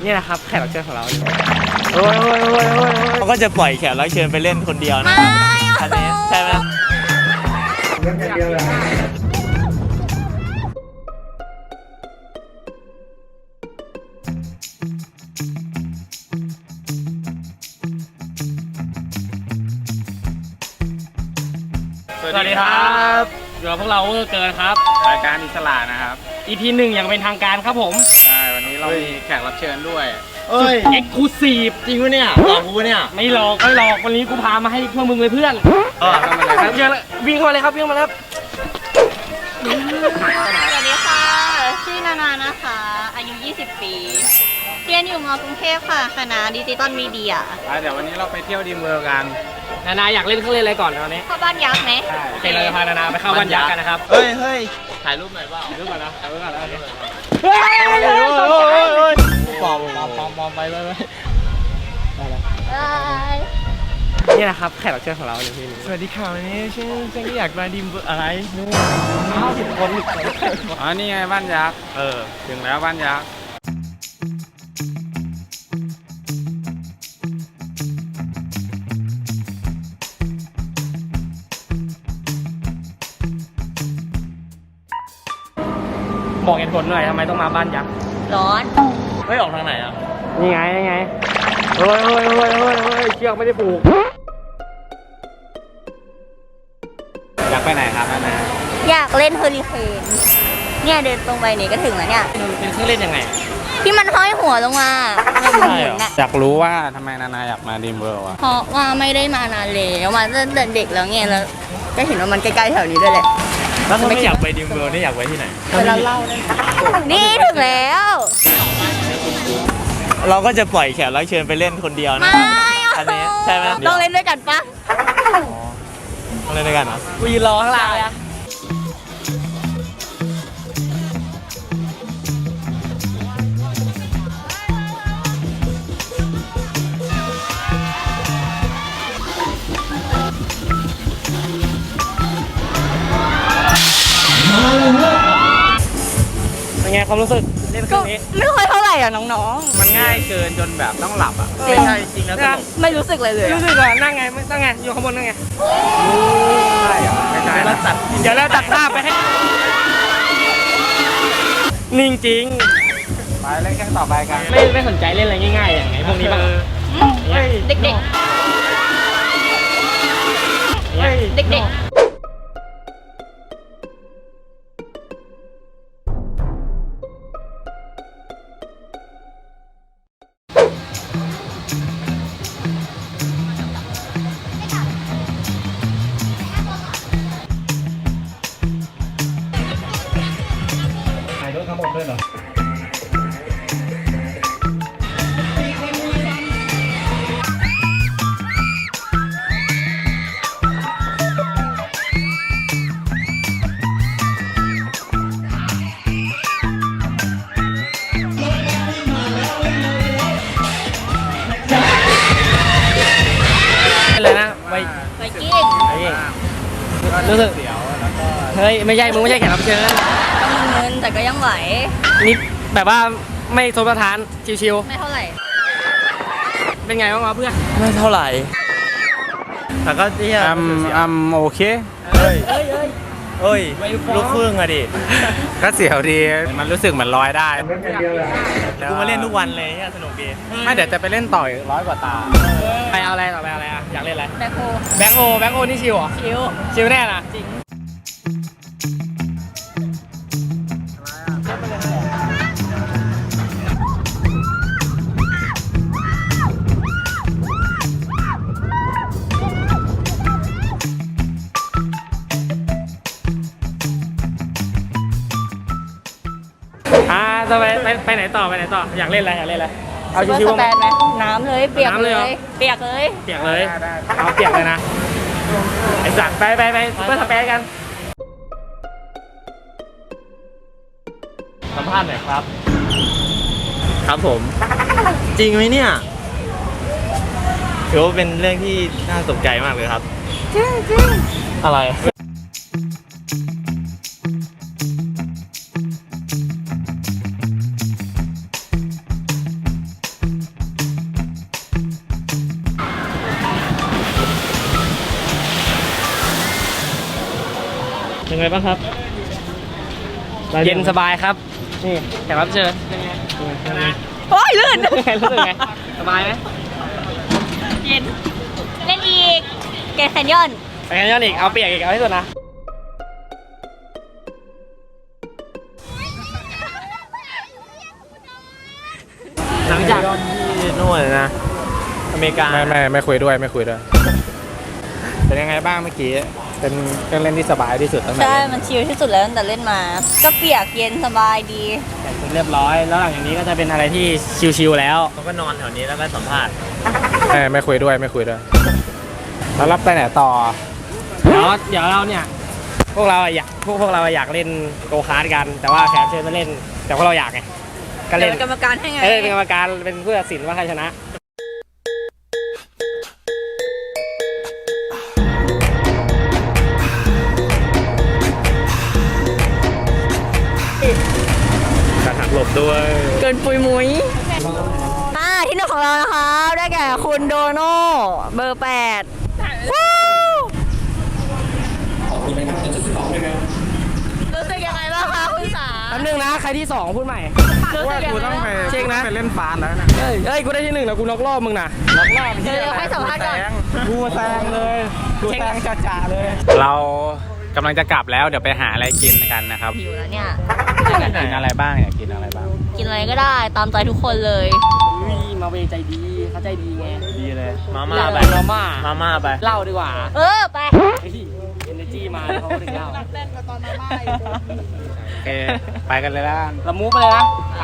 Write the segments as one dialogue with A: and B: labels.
A: นี่แหละครับแขกรับเชิญของเรา
B: โอ้ยเขาก็จะปล่อยแขกรับเชิญไปเล่นคนเดียวนะอันนี้ใช่ไหมเล่นคนเดียวเลย
A: สวัสดีครับอยู่กับพวกเราเกินครับ
C: รายการอิสระนะครับ
A: EP 1อย่างเป็นทางการครับผม
C: ใช่วันนี้เรามีแขกรับเชิญด้วย
A: สุด Exclusive
B: จริงปะเนี่ยหลอกกูเนี่ย
A: ไม่หลอกวันนี้กูพามาให้พวกมึงเลยเพื่อนวิ่งเข้ามาเลยครับวิ่งมาแล้ว
D: สวัสดีค่ะชื่อนานานะคะอายุ 20 ปีเรียนอยู่ม.กรุงเทพค่ะคณะดิจิตอลมีเดีย
C: เดี๋ยววันนี้เราไปเที่ยวดีเมืองกัน
A: นานาอยากเล่นเครื่องเล่นอะไรก่อนตอนนี้
D: เข้าบ้านยักษ์ไหม
A: โอเคเราจะพานานาไปเข้าบ้านยักษ์กันนะครับ
B: เฮ้ยถ่ายรูปหน่อยเปล่า
A: ถ่ายรูปก่อนนะถ่ายรูปก่อนนะ
B: ปอมไป
A: นี่แหละครับแขกรับเชิญของเราในที่นี้
B: สวัสดีค่ะวันนี้ฉันอยากมาดิมอะไรนู่น
A: 50 คน
C: นี่ไงบ้านยักษ์ถึงแล้วบ้านยักษ์
A: บอกเหตุผลหน่อยทำไมต้องมาบ้านยักษ์
D: ร้อน
B: เฮ้ยออกทางไหนอ่ะ
A: นี่ไงเฮ้ยเชือกไม่ได้ผูก
C: อยากไปไหนครับนานา
D: อยากเล่นเฮอริเคนเนี่ยเดินตรงไปนี่ก็ถึงแล้วเนี่ย
A: เป็นเครื่องเล่นยังไง
D: ที่มันห้อยหัวลงมา
C: อยากรู้ว่าทำไมนานาอยากมาดีมเวิลด์อ่ะ
D: เพราะว่าไม่ได้มานานแล้วมาตั้งแต่เด็กแล้วไงแล้วก็เห็นว่ามันใกล้ๆแถวนี้ด้วยแหละ
B: แล้วถ้าไม่อยากไปดิมเวิลด์นี่อยากไปที่ไหน
D: ไปร้านเหล้าได้นี่ถึงแล้ว
B: เราก็จะปล่อยแขกรับเชิญไปเล่นคนเดียวนะอันนี้ใช่ไหม
D: ต้องเล่นด้วยกันปะ
B: ต้องเล่นด้วยกันเหรอ
A: กูยืนรอข้างล่างเลยเป็นไงความรู้สึกเล่นเครื่องนี้
D: ไม่ค่อยเท่าไหร่อ่ะน้องๆ
C: มันง่ายเกินจนแบบต้องหลับอ่ะ
B: ไม่ใช่จริงแล้วสนุก
D: ไม่รู้สึกเลย
A: รู้สึกว่านั่งไงอยู่ข้างบนนั่งไง
C: ไม่ใช่
A: แล้วเดี๋ยวเราตัดภาพไปให้นิ่งจริง
C: ไปเล่นแค่ต่อไปกัน
A: ไม่สนใจเล่นอะไรง่ายๆอย่างไงพวกนี้บ้าง
D: เด็ก
B: ถ่ายรถทั้งหมดด้วยเหรอ
A: อะไรนะไว
D: กิ้ง
A: รู้สึกเฮ้ยไม่ใช่มึงไม่ใช่แขกรับเชิญ
D: ก็มีเงินแต่ก็ยังไหว
A: นิดแบบว่าไม่โทษประทานชิว
D: ๆไม่เท่าไหร่
A: เป็นไงบ้างวะเพื่อน
B: ไม่เท่าไหร่แต่ก็ที่
C: โอเค
B: เฮ้ยลูกครึ่งอะดิ
C: ก็เสียวดีมันรู้สึกเหมือนลอยได้
B: กูมาเล่นทุกวันเลยเนี่ยสนุกดี
C: ไม่เดี๋ยวจะไปเล่นต่ออีก100 กว่าตา
A: ไปเอาอะไรต่อไปอะไรอ่ะอยากเล่นอะไร
D: แบ็ค
A: โฮนี่ชิวเหรอชิวแน่นะจริงจะไปไหนต่ออยากเล่นอะไร
D: เอาชิวๆไหมน้ำเลยเปียกเลยเอาเปียก
A: เลยนะไอ้สัตว์ไปเพื่อสเปซกัน
B: สัมภาษณ์หน่อยครับครับผมจริงไหมเนี่ยถือว่าเป็นเรื่องที่น่าสนใจมากเลยครับ
D: จริง
B: อะไร
A: ยังไงบ้างครับเย็นสบายครับนี่แขกรับเชิญเป็นไงนะ
D: โอ้ยลื่น
A: รู้สึกไงสบายไหม
D: เย็น เล่นอีก เกตแคนยอน
A: ไปกันย้อนอีกเอาเปียกอีกเอาให้สุดนะหลังจาก
B: ที่นู่นนะอเมริกา
C: ไม่คุยด้วยไม่คุยด้วย เป็นยังไงบ้างเมื่อกี้ เป็นเครื่องเล่นที่สบายที่สุดตั้งแต่
D: ใช่
C: เล่น
D: มันชิลที่สุดแล้วตั้งแต่เล่นมา ก็เปียกเย็นสบายดี
A: แต่งเสร็จเรียบร้อยแล้วหลังจากนี้ก็จะเป็นอะไรที่ชิลๆแล้ว
B: เขาก็นอนแถวนี้แล้วก็สัมภาษณ์
C: ไม่คุยด้วยไม่คุยด้วย แล้วรับไปไหนต่อ
A: เดี๋ยวเราเนี่ยพวกเราอยากเล่นโกคาร์ทกัน แต่ว่าแขกเชิญมาเล่น แต่พวกเราอยากไงก็เล่น
D: เป็นกรรมการให้ไง
A: เป็นกรรมการเป็นผู้ตัดสินว่าใครชนะ
B: การหักหลบด้วย
D: เกินปุยมุ้ยที่หนึ่งของเรานะคะ ได้แก่คุณโดโน่เบอร์ 8วู้รู้สึกยังไงบ้างคะคุณสา
A: แป๊บนึงนะใครที่2พูดใหม่
D: รู้สึกยัง
C: กู
D: ไง
C: ต้องไป
A: เช็คนะ
C: ไปเล่นฟานแล้วนะ
A: เฮ้ยกูได้ที่1แล้วกูน็อกรอบมึงนะน็อกรอบ
D: เดี๋ยวให้สัมภาษณ์ก่อน
C: กูแซงเลยกูแซงจ่าเลย เรากำลังจะกลับแล้วเดี๋ยวไปหาอะไรกินกันนะครับ
D: หิวแล้วเนี่ย
C: อยากกินอะไรบ้างอยากกินอะไรบ้าง
D: กินอะไรก็ได้ตามใจทุกคนเลย
A: มาเวใจดีเขาใจดีไง
C: ดีเลย
B: มาม่าไป
A: มาม่า
B: มาม่าไป
A: เล่าดีกว่า
D: ไป
A: เอเนจีมาเขาก็ถึงเล่า
C: โอเคไปกันเลยละ
A: ละมูไปเลยนะไป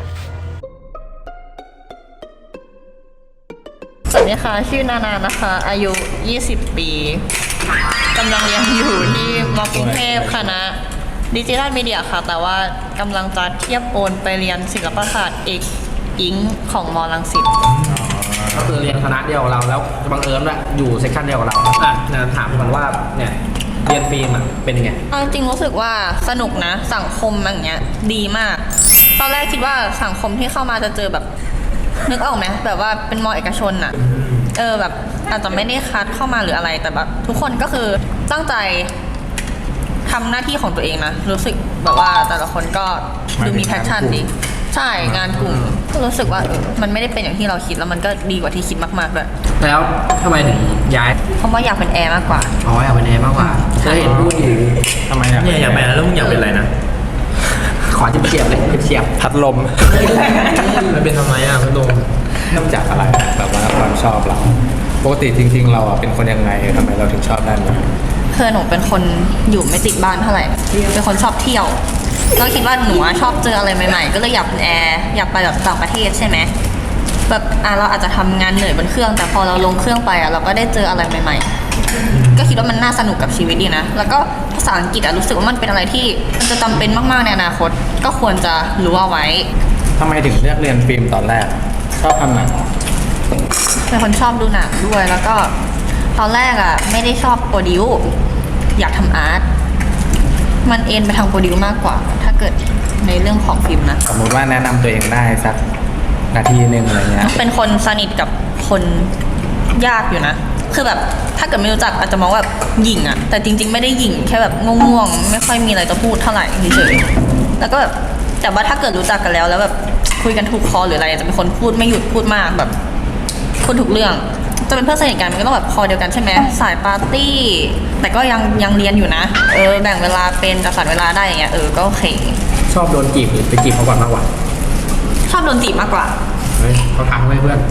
D: สวัสดีค่ะ ชื่อนานานะคะ อายุ 20 ปีกำลังเรียนอยู่ที่มกรุงเทพคณะดิจิทัลมีเดียค่ะ แต่ว่ากำลังจะเทียบโอนไปเรียนศิลปศาสตร์เอกอิงของมรังสิต
A: ก็คือเรียนคณะเดียวกับเราแล้วบังเอิญว่าอยู่เซสชันเดียวกับเราถามก่อนว่าเนี่ยเรียนฟิล์มเป็นยังไง
D: เอาจริงรู้สึกว่าสนุกนะสังคมอย่างเงี้ยดีมากตอนแรกคิดว่าสังคมที่เข้ามาจะเจอแบบนึกออกไหมแบบว่าเป็นมอเอกชนอะแบบอาจจะไม่ได้คัดเข้ามาหรืออะไรแต่แบบทุกคนก็คือตั้งใจทำหน้าที่ของตัวเองนะรู้สึกแบบว่าแต่ละคนก็ดูมีแพชชั่นดีใช่งานกลุ่มก็รู้สึกว่ามันไม่ได้เป็นอย่างที่เราคิดแล้วมันก็ดีกว่าที่คิดมากๆด้วย
A: แล้วทำไมถึงย้าย
D: เพราะว่าอยากเป็นแอร์มากกว่า
A: อ๋ออยากเป็นแอร์มากกว่าเคยเห็นพูดอยู่
C: ทำไมอ่ะ
B: เนี่ยอยากเป็นแล้วมึงอยากเป็นอะไรนะ
A: ขอเฉียบๆเลยเฉียบ
C: พัดลม
B: มันเป็นทำไมอ่ะพี่โดม
C: นอกจากอะไรแบบว่าความชอบเรา ปกติจริงๆเราอ่ะเป็นคนยังไงทำไมเราถึงชอบด้านนี้
D: คือหนูเป็นคนอยู่ไม่ติดบ้านเท่าไหร่ เป็นคนชอบเที่ยวก็คิดว่าหนูชอบเจออะไรใหม่ๆ ก็เลยอยากเป็นแอร์อยากไปแบบต่างประเทศใช่ไหมแบบเราอาจจะทำงานเหนื่อยบนเครื่อง แต่พอเราลงเครื่องไปเราก็ได้เจออะไรใหม่ๆ ก็คิดว่ามันน่าสนุกกับชีวิตดีนะ แล้วก็ภาษาอังกฤษรู้สึกว่ามันเป็นอะไรที่มันจะจำเป็นมากๆในอนาคต ก็ควรจะรู้เอาไว้
C: ทำไมถึงเลือกเรียนฟิล์มตอนแรก ชอบทำหนัง
D: เป็นคนชอบดูหนังด้วย แล้วก็ตอนแรกไม่ได้ชอบโปรดิวอยากทำอาร์ตมันเอ็นไปทางโปรดิวมากกว่า ถ้าเกิดในเรื่องของฟิล์มนะ
C: สมมติว่าแนะนำตัวเองได้สักนาทีหนึ่งอะไรเงี้ย
D: เป็นคนสนิทกับคนยากอยู่นะ คือแบบถ้าเกิดไม่รู้จักอาจจะมองว่าแบบหยิ่งอะแต่จริงๆไม่ได้หยิ่งแค่แบบง่วงๆไม่ค่อยมีอะไรจะพูดเท่าไหร่เฉยๆแล้วก็แบบแต่ว่าถ้าเกิดรู้จักกันแล้วแบบคุยกันถูกคอหรืออะไรจะเป็นคนพูดไม่หยุดพูดมากแบบพูดทุกเรื่องจะเป็นเพื่อนสนิทกันมันก็ต้องแบบคอเดียวกันใช่ไหมสายปาร์ตี้แต่ก็ยังเรียนอยู่นะแบ่งเวลาเป็นจัดสรรเวลาได้อย่างเงี้ยก็โอเค
A: ชอบโดนจีบหรือไปจีบเขาก่อนมากกว่า
D: ชอบโดนจีบมากกว่า
A: เฮ้ยเขาทักไว้เพื่อน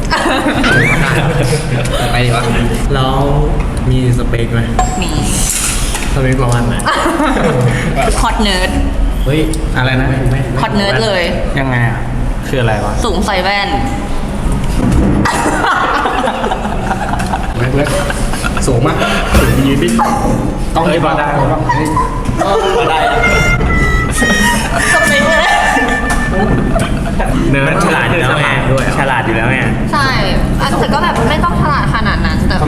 A: ไปดีวะ
B: แล้วมีสเปคไหม
D: มี
B: สเปคประมาณไหน
D: ฮอตเนิร์ด
C: เฮ้ย อะไรนะ
D: ฮอตเนิร์ดเลย
C: ยังไงอ่ะ คืออะไรวะ
D: สูงใส่แว่น
A: เล็กสูงมากสูงยืนดิต้องยืนได้พอได้
D: สเปคเลย
B: เนิร์ดฉลาดอยู่แล้วไงฉลาดอยู่แล้วไง
D: ใช่แต่ก็แบบไม่ต้องฉลาดขนาดนั้นแต่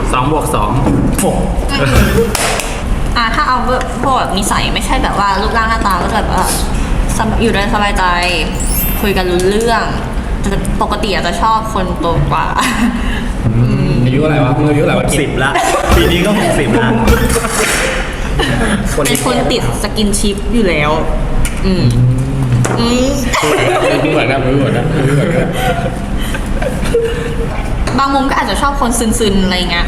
D: ถ้าเอาพวกแบบนิสัยไม่ใช่แบบว่ารูปร่างหน้าตาก็จะแบบว่าอยู่ได้สบายใจคุยกันรู้เรื่องแต่ปกติอาจจะชอบคนโตกว่า
C: อายุอะไรวะมึงอายุอะไรวะ
B: 60ละปีนี้ก็60ละ
D: เป็นคนติดสกินชิปอยู่แล้ว อืม
C: เหมือนนะเหมือนนะ
D: บางมุมก็อาจจะชอบคนซึนๆอะไรเงี้ย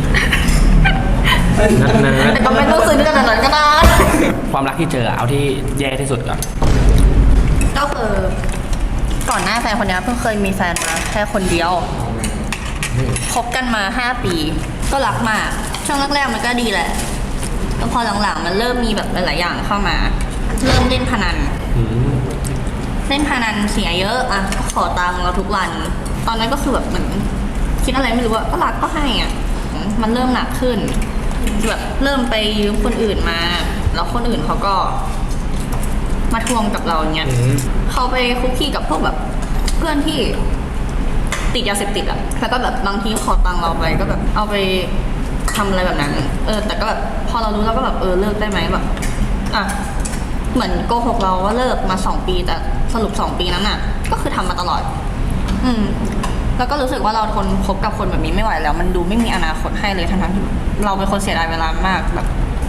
D: แต่ก็ไม่ต้องซึนขนาดนั้นก็ได้
A: ความรักที่เจอเอาที่แย่ที่สุดก่อน
D: ก็คือก่อนหน้าแฟนคนนี้เพิ่งเคยมีแฟนมาแค่คนเดียวคบกันมา5 ปีก็รักมากช่วงแรกๆมันก็ดีแหละแล้วพอหลังๆมันเริ่มมีแบบหลายๆอย่างเข้ามาเริ่มเล่นพนันเล่นพนันเสียเยอะอ่ะก็ขอตังค์เราทุกวันตอนนั้นก็คือแบบเหมือนคิดอะไรไม่รู้อะก็รักก็ให้อ่ะมันเริ่มหนักขึ้นแบบเริ่มไปยืมคนอื่นมาแล้วคนอื่นเขาก็มาทวงกับเราเงี้ยเขาไปคุกคีกับพวกแบบเพื่อนที่ติดยาเสพติดอ่ะแล้วก็แบบบางทีขอตังค์เราไปก็แบบเอาไปทำอะไรแบบนั้นแต่ก็แบบพอเรารู้เราก็แบบเลิกได้ไหมแบบอ่ะเหมือนโกหกเราว่าเลิกมา2 ปีแต่สรุป2 ปีนั้นอ่ะก็คือทำมาตลอดแล้วก็รู้สึกว่าเราทนคบกับคนแบบนี้ไม่ไหวแล้วมันดูไม่มีอนาคตให้เลยทั้งๆที่เราเป็นคนเสียดายเวลามากแบบ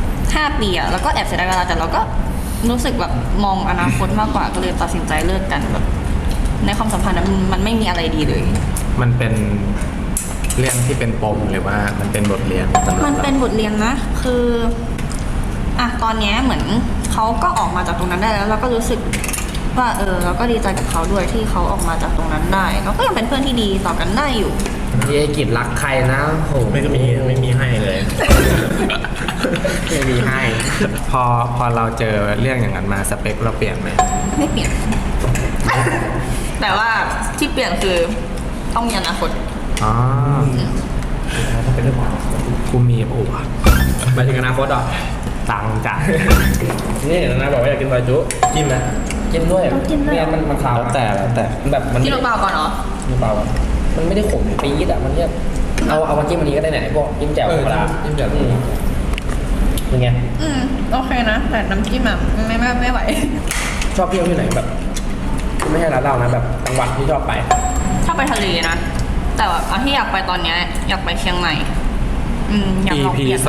D: 5 ปีอะแล้วก็แอบเสียดายเวลาแต่เราก็รู้สึกแบบมองอนาคตมากกว่าก็เลยตัดสินใจเลิกกันแบบในความสัมพันธ์นั้นมันไม่มีอะไรดีเลย
C: มันเป็นเรื่องที่เป็นปมหรือว่ามันเป็นบทเรียนสำหรับ
D: มันเป็นบทเรียนนะคืออ่ะตอนเนี้ยเหมือนเขาก็ออกมาจากตรงนั้นได้แล้วเราก็รู้สึกว่าเราก็ดีใจกับเขาด้วยที่เขาออกมาจากตรงนั้นได้เราก็ยังเป็นเพื่อนที่ดีต่อกันได้อยู่
A: พี่ไอ้กิจรักใครนะโห
B: ไม่มีให้เลย
A: ไม่มีให้
C: พอเราเจอเรื่องอย่างนั้นมาสเปคเราเปลี่ยนไหม
D: ไม่เปลี่ยน แต่ว่าที่เปลี่ยนคือต้องมีอนาคต
C: อ๋อ
A: เป็นเรื่องของ
C: กูมีโอ้วะ
A: หมายถึงอนาคตเหรอ
C: ตังค์จ่าย
A: นี่นะบอกว่าอยากกินซอยจุจิ้มไหมจิ้มด้วย
D: ต้องจิ้มด้วย
A: ไม่งั้นมันขาว
C: แล้วแต่
A: มันแบบมัน
D: ที่เราเปล่าก่อนเหรอ
A: เปล่าอะมันไม่ได้ขมปี๊ดอ่ะมันแค่เอามาจิ้มอันนี้ก็ได้ไหนพวกจิ้มแจ่วธรรมดาจิ้มแจ่วเป็นไง
D: โอเคนะแต่น้ำจิ้มอ่ะไม่ไหว
A: ชอบเที่ยวที่ไหนแบบไม่ใช่ร้านเรานะแบบจังหวัดที่ชอบไป
D: ชอบไปทะเลนะ แต่ว่าเอาที่อยากไปตอนเนี้ยอยากไปเชียงใหม่อยากลอง
C: EP
D: เปลี่ยน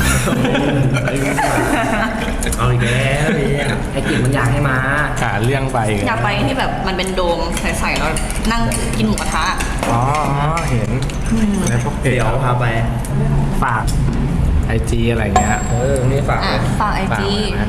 B: เอาอีกแล้วเนี่ย
A: ไอ้กิจมันอยากให้มา
C: หาเรื่องไป
D: อยากไปที่แบบมันเป็นโดมใสๆแล้วนั่งกินหมูกระทะ
C: อ๋อเห็นในพวกเพจ
B: เดี๋ยวพาไป
C: ฝากIG อะไรเงี้ย
A: นี่ฝากเลย
D: ฝากไอ
C: ฝาก
D: จี
C: ไว้นะ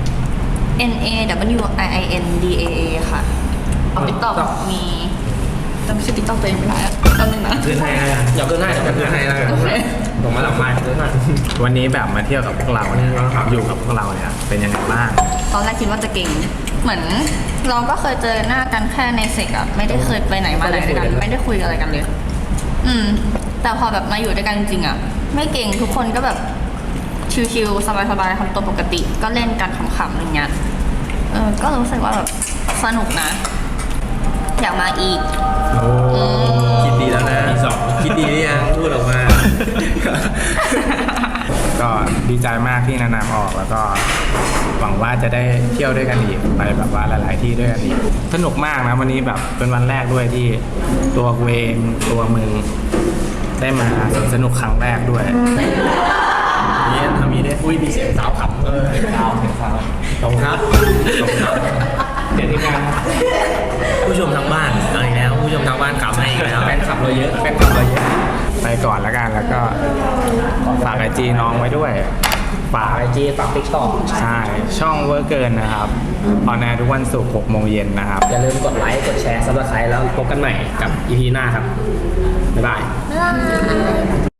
D: NAWIINDAA ค่ะติ๊กต็อกมีจำชื่อติ๊กต็อกตัวเองไม่ได้จำหนึ่งนะ
B: ขึ้นให้นะ
A: อยากขึ้นให้
B: ขึ้นให้แล้วกัน
A: ส่งมาหลังไม้ขึ้นให้
C: วันนี้แบบมาเที่ยวกับพวกเราเนี่ยอยู่กับพวกเราเนี่ยเป็นยังไงบ้าง
D: ตอนแรกคิดว่าจะเก่ง เหมือนเราก็เคยเจอหน้ากันแค่ในเซกอะไม่ได้เคยไปไหนมาไหนด้วยกันไม่ได้คุยอะไรกันเลย แต่พอแบบมาอยู่ด้วยกันจริงๆอะไม่เก่งทุกคนก็แบบชิวๆสบายๆทำตัวปกติก็เล่นกันขำๆอะไรเงี้ยก็รู้สึกว่าแบบสนุกนะ อยากมาอีก
C: โอ้
B: คิดดีแล้วนะคิดดีหรือยังพูดออกมา
C: ก็ดีใจมากที่นานๆออกแล้วก็หวังว่าจะได้เที่ยวด้วยกันอีกไปแบบว่าหลายๆที่ด้วยกันอีกสนุกมากนะวันนี้แบบเป็นวันแรกด้วยที่ตัวกูเองตัวมึงได้มาสนุกครั้งแรกด้วย
B: นี่ทำนี้ได้
A: อุ้ยมีเสียงสาวขำสาว
B: ขอบคุณครับขอบคุณครับ
A: เดี๋ยวทีมงาน
B: ผู้ชมทางบ้านเอาอีกแล้วผู้ชมทางบ้านกลับมาอีกแล้ว
A: แฟนคลับเราเยอะแฟนคลับเราเยอะ
C: ไปก่อนแล้วกันแล้วก็ฝากIGน้องไว้ด้วยฝาก
A: ฝากไอจีฝากติ๊กต็อก
C: ใช่ช่องเวอร์เกินนะครับออนแอร์ทุกวันศุกร์6 โมงเย็นนะครับ
A: อย่าลืมกดไลค์กดแชร์ซับสไครต์แล้วพบกันใหม่กับ EP หน้าครับบ๊ายบาย
D: บ๊ายบาย